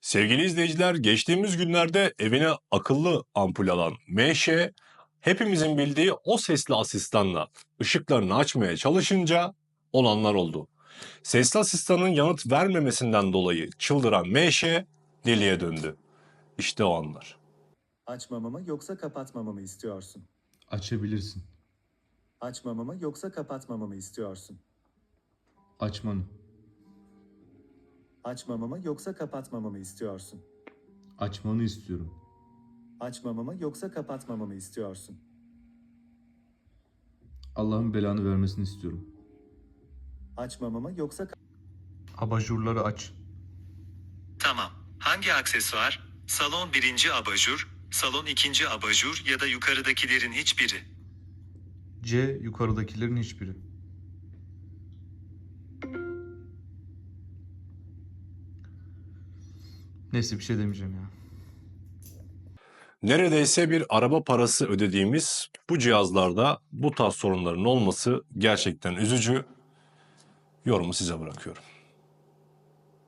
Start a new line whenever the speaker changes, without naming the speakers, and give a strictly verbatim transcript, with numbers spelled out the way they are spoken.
Sevgili izleyiciler, geçtiğimiz günlerde evine akıllı ampul alan M Ş, hepimizin bildiği o sesli asistanla ışıklarını açmaya çalışınca olanlar oldu. Sesli asistanın yanıt vermemesinden dolayı çıldıran M Ş deliye döndü. İşte o anlar.
Açmamamı yoksa kapatmamamı istiyorsun?
Açabilirsin.
Açmamamı yoksa kapatmamamı istiyorsun?
Açmanı.
Açmamamı yoksa kapatmamamı istiyorsun?
Açmanı istiyorum.
Açmamamı yoksa kapatmamamı istiyorsun?
Allah'ın belanı vermesini istiyorum.
Açmamamı yoksa ka-
Abajurları aç.
Tamam. Hangi aksesuar? Salon birinci abajur, salon ikinci abajur ya da yukarıdakilerin hiçbiri.
C. Yukarıdakilerin hiçbiri. Neyse bir şey demeyeceğim ya.
Neredeyse bir araba parası ödediğimiz bu cihazlarda bu tarz sorunların olması gerçekten üzücü. Yorumu size bırakıyorum.